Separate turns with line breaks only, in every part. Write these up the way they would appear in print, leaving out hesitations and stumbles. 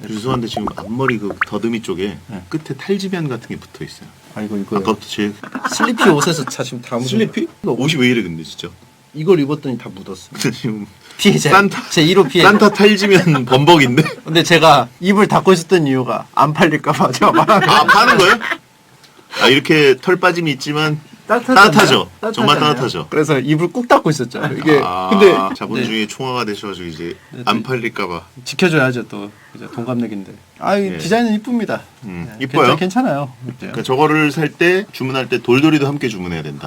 죄송한데 지금 앞머리 그 더듬이 쪽에 끝에 탈지변 같은 게 붙어 있어요.
이거
아까부터 제일
슬리피 옷에서 지금 다 묻었어.
슬리피? 옷이 왜 이래 근데 진짜.
이걸 입었더니 다 묻었어.
지금
피해자.
산타
제 1호 피해자.
산타 탈지면 범벅인데?
근데 제가 입을 닫고 있었던 이유가 안 팔릴까봐 제가 말하는
아 파는 거예요? 아 이렇게 털 빠짐이 있지만 따뜻하죠. 정말 따뜻하죠.
그래서 입을 꾹 닫고 있었죠. 이게
근데 자본주의 총화가 되셔가지고 이제 안 팔릴까봐
지켜줘야죠 또. 이제 동갑내기인데.
예.
디자인은 이쁩니다.
이뻐요.
괜찮아요.
그러니까 저거를 살 때 주문할 때 돌돌이도 함께 주문해야 된다.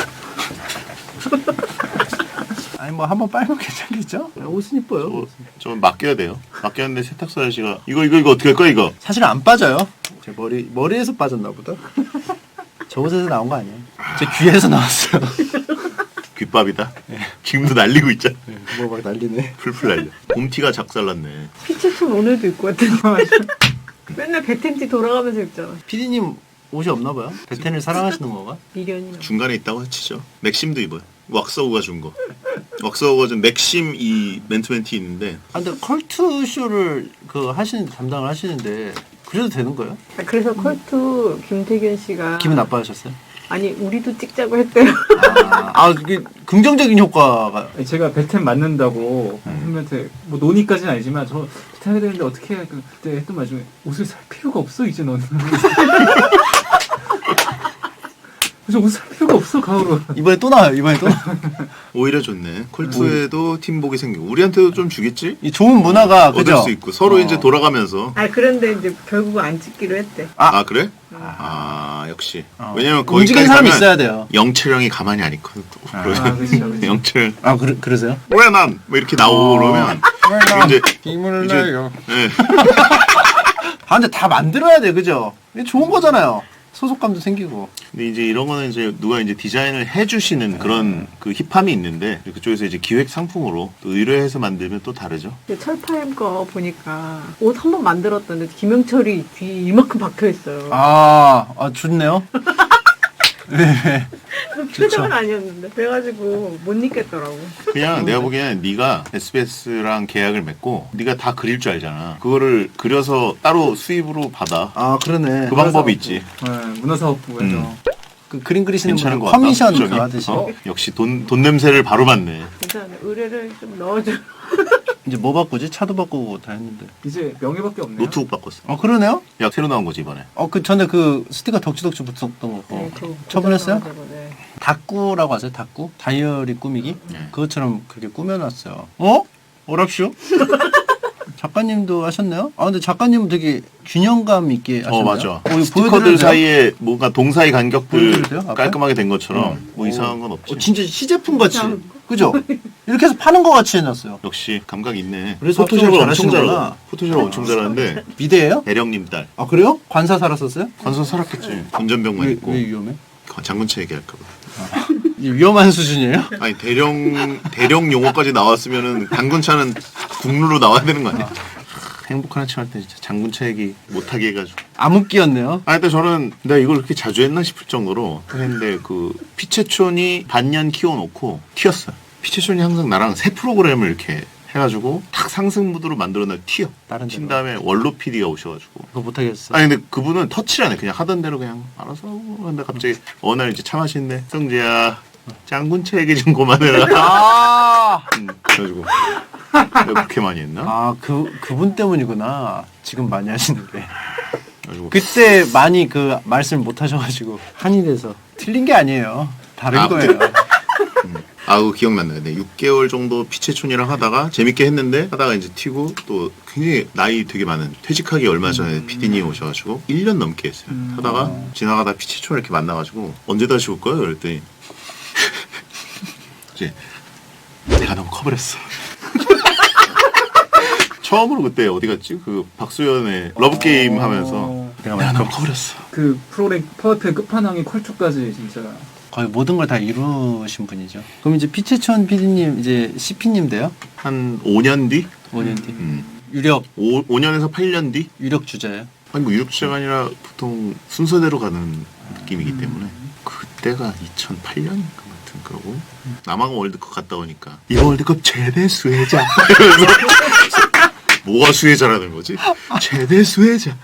뭐 한번 빨면 괜찮겠죠? 옷은 이뻐요.
좀 맡겨야 돼요. 맡겼는데 세탁소 아저씨가 이거 어떻게 할 거야 이거?
사실 안 빠져요. 제 머리에서 빠졌나 보다. 저 옷에서 나온 거 아니에요? 제 귀에서 나왔어요.
귓밥이다. 지금도 날리고 있잖아.
뭐 막 난리네.
풀풀 날려. 봄티가 작살났네.
피치촌 오늘도 입고 왔더니 맨날 베텐티 돌아가면서 입잖아.
피디님 옷이 없나 봐요? 베텐을 사랑하시는 건가?
미련이나.
중간에 있다고 치죠. 맥심도 입어요. 왁서우가 준 거. 왁서우가 준 맥심 이 맨투맨티 있는데.
근데 컬투 쇼를 담당을 하시는데 그래도 되는 거예요?
그래서 컬투 김태균 씨가
기분 나빠하셨어요?
아니 우리도 찍자고 했대요.
그게 긍정적인 효과가.
제가 베텐 맞는다고 선배한테 뭐 논의까지는 아니지만 저 베텐 해야 되는데 어떻게 해? 그때 했던 말 중에 옷을 살 필요가 없어 이제 너는. 그래서 옷 살 필요가 없어 가을은.
이번에 또 나와요.
오히려 좋네. 콜투에도 팀복이 생기고 우리한테도 좀 주겠지?
이 좋은 문화가
얻을
그죠?
수 있고 서로 이제 돌아가면서.
그런데 이제 결국은 안 찍기로 했대.
그래? 역시. 왜냐면 거기까지
움직이는 사람이
가면
있어야 돼요.
영철형이 가만히 안 있거든.
그렇죠.
영철.
그러세요?
왜 난? 뭐 이렇게 나오고 그러면 이제
힘을
이제-
내요.
예.
근데 다 만들어야 돼, 그죠? 이게 좋은 거잖아요. 소속감도 생기고.
근데 이제 이런 거는 이제 누가 이제 디자인을 해주시는 그런 그 힙함이 있는데 그쪽에서 이제 기획 상품으로 또 의뢰해서 만들면 또 다르죠.
철파임 거 보니까 옷 한 번 만들었던데 김영철이 귀 이만큼 박혀 있어요.
좋네요. 네.
표정은 아니었는데 그래가지고 못 입겠더라고.
그냥 내가 보기에는 네가 SBS랑 계약을 맺고 네가 다 그릴 줄 알잖아. 그거를 그려서 따로 수입으로 받아.
그러네.
그 방법이 있지.
문화사업부에서
그 그림 그리시는
괜찮은
분
것 같다.
커미션
저기.
그거 하듯이.
역시 돈 냄새를 바로 맡네.
괜찮은데 의뢰를 좀 넣어줘.
이제 뭐 바꾸지? 차도 바꾸고 다 했는데.
이제 명예밖에 없네요.
노트북 바꿨어.
그러네요?
야 새로 나온 거지 이번에.
전에 그 스티커 덕지덕지 붙었던 거.
그거
처분했어요?
고정해가지고, 네.
다꾸라고 하세요? 다꾸? 다이어리 꾸미기?
네.
그것처럼 그렇게 꾸며놨어요. 오랍쇼? 작가님도 하셨네요? 근데 작가님은 되게 균형감 있게 하셨네요.
맞아.
이거
스티커들
보여드려도 돼요?
사이에 뭔가 동사의 간격들
보여드려도 돼요? 앞에?
깔끔하게 된 것처럼 뭐 이상한 건 없지.
진짜 시제품 같이.
이상한
그죠? 이렇게 해서 파는 거 같이 해놨어요.
역시 감각 있네.
그래서
포토샵을
합성을
엄청
잘하시는구나.
잘하고. 포토샵을 엄청 잘하는데
미대예요?
대령님 딸.
그래요? 관사 살았었어요?
관서 살았겠지. 운전병만 있고.
왜 위험해?
장군차 얘기할까봐.
위험한 수준이에요?
아니 대령 용어까지 나왔으면은 장군차는 국루로 나와야 되는 거 아니야? 행복한 아침 할 때 진짜 장군차 얘기 못하게 해가지고.
암흑기였네요.
근데 저는 내가 이걸 그렇게 자주 했나 싶을 정도로 했는데 그 피체촌이 반년 키워놓고 튀었어요. 피체촌이 항상 나랑 새 프로그램을 이렇게 해가지고 탁 상승 무드로 만들어놔 튀어.
다른
튄
데로.
다음에 원로 PD가 오셔가지고.
그거 못하겠어.
아니 근데 그분은 터치를 안 해. 그냥 하던 대로 그냥 알아서 하고. 근데 갑자기 어느 날 이제 차 마시는데 성재야 장군차 얘기 좀 그만해라. 그래가지고 내가 그렇게 많이 했나?
그분 때문이구나. 지금 많이 하시는데.
그래가지고
그때 많이 그 말씀을 못 하셔가지고 한이 돼서 틀린 게 아니에요. 다른 거예요.
기억난다. 네, 6개월 정도 피체촌이랑 하다가 재밌게 했는데 하다가 이제 튀고 또 굉장히 나이 되게 많은 퇴직하기 얼마 전에 PD님 오셔가지고 1년 넘게 했어요. 하다가 지나가다 피체촌을 이렇게 만나가지고 언제 다시 올 거예요? 그랬더니 이제 내가 너무 커버렸어. 처음으로 그때 어디 갔지? 그 박수연의 러브게임 하면서 내가 너무 커버렸어.
그 프로그램 파워풀 끝판왕의 컬투까지 진짜.
거의 모든 걸 다 이루신 분이죠. 그럼 이제 피체천 PD님 이제 CP님 돼요?
한 5년 뒤?
5년 뒤. 유력
5년에서 8년 뒤?
유력 주자예요.
아니 뭐 유럽주자가 아니라 보통 순서대로 가는 느낌이기 때문에 그때가 2008년 같은 거고 남아공 월드컵 갔다 오니까 이번 월드컵 최대 수혜자 이러면서 뭐가 수혜자라는 거지? 최대 수혜자.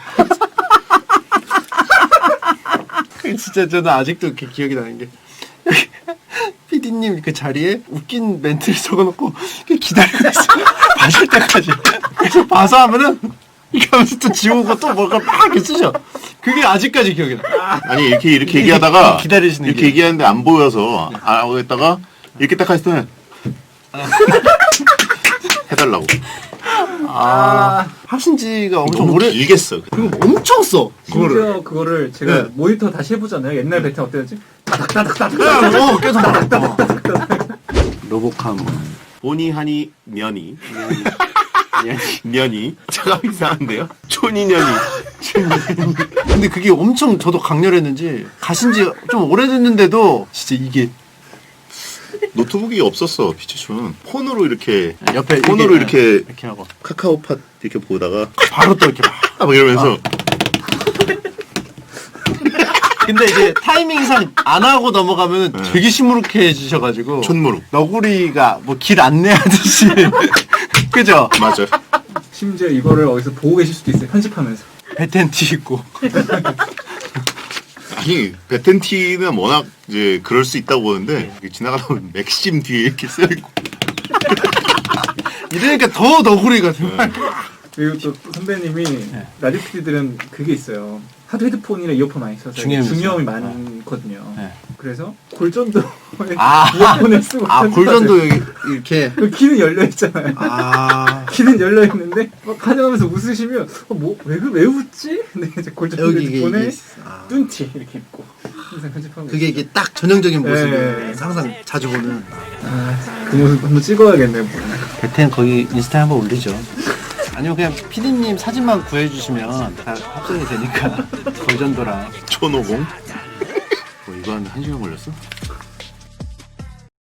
그 진짜 저는 아직도 이렇게 기억이 나는 게 PD님 그 자리에 웃긴 멘트를 적어놓고 기다리고 있어. 마실 때까지. 그래서 봐서 하면은 이렇게 하면서 또 지우고 또 뭔가 막 이렇게 쓰셔. 그게 아직까지 기억이 나.
아니 이렇게 얘기하다가
기다리시는
이렇게
게.
얘기하는데 안 보여서 안 하고 있다가 이렇게 딱 했을 때는 해달라고.
하신 지가 엄청
너무
오래.
길게 써.
그리고 엄청 써.
심지어 그거를 제가
네.
모니터 다시 해보잖아요. 옛날 베텐 어땠지?
계속 로보캄.
보니 하니 면이 면이 잠깐 이상한데요? 촌이년이
근데 그게 엄청 저도 강렬했는지 가신 지 좀 오래됐는데도 진짜 이게
노트북이 없었어 피치촌. 폰으로 이렇게
옆에
폰으로 이렇게
이렇게 하고
카카오팟 이렇게 보다가
바로 또 이렇게
막 이러면서
근데 이제 타이밍상 안 하고 넘어가면
네.
되게 시무룩해지셔가지고
촌무룩.
너구리가 뭐 길 안내하듯이 그죠?
맞아.
심지어 이거를 어디서 보고 계실 수도 있어요. 편집하면서.
배텐티 입고
아니 베텐티는 워낙 이제 그럴 수 있다고 보는데 지나가다 보면 맥심 뒤에 이렇게 써있고
이러니까 더 너구리 같은
그리고 또 선배님이 라디오 PD들은 그게 있어요. 하도 헤드폰이나 이어폰 많이 써서
중요함이
중요함이
있어요.
많거든요.
네.
그래서 골전도에
아.
이어폰을 쓰고
골전도 여기 이렇게
그 귀는 열려 있잖아요. 귀는 열려 있는데 막 가져가면서 웃으시면 왜 웃지? 근데 이제 골전도
여기 이게
헤드폰에 뚠티 이렇게 입고 항상 편집하고
그게 이게 딱 전형적인 모습이에요.
네.
항상 자주 보는
그 모습 한번 찍어야겠네요.
배텐 거기 인스타에 한번 올리죠. 아니면 그냥 피디님 사진만 구해주시면 다 합성이 되니까 골전도랑
촌오공. 이거 한 1시간 걸렸어?